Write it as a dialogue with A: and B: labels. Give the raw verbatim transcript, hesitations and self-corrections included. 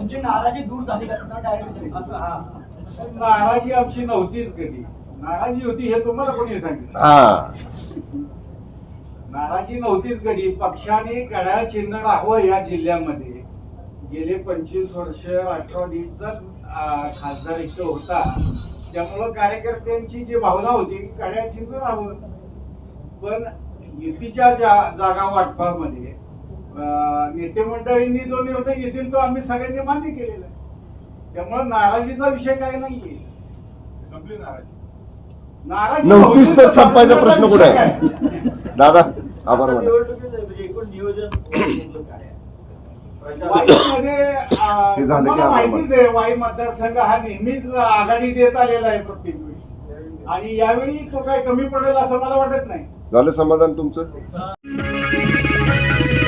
A: तुमची नाराजी दूर झाली का डायरेक्ट असं? हा,
B: नाराजी आमची नव्हतीच कधी. नाराजी होती हे तुम्हाला कोणी सांगितलं?
C: हा
B: नाराजी नव्हतीच कधी. पक्षाने घड्याळ चिन्ह राहावं या जिल्ह्यामध्ये गेले पंचवीस वर्ष राष्ट्रवादीचाच खासदार इथं होता, त्यामुळं कार्यकर्त्यांची जी भावना होती घड्याळ चिन्ह राहावं. पण युतीच्या जागा वाटपामध्ये नेते मंडळींनी जो निर्णय घेतील तो आम्ही सगळ्यांनी मान्य केलेला आहे. त्यामुळे नाराजीचा विषय काही नाहीये. संपली नाराजी. नाराजी
C: नव्हतीच तर संपायचा प्रश्न कुठे आहे दादा? आभार माना.
A: एकूण नियोजन
C: हे झालं की आभार
B: माहितीच आहे, वाई मतदारसंघ हा नेहमीच आघाडी देत आलेला आहे प्रत्येक वेळी, आणि यावेळी तो काय कमी पडेल असं मला वाटत नाही.
C: झालं समाधान तुमचं?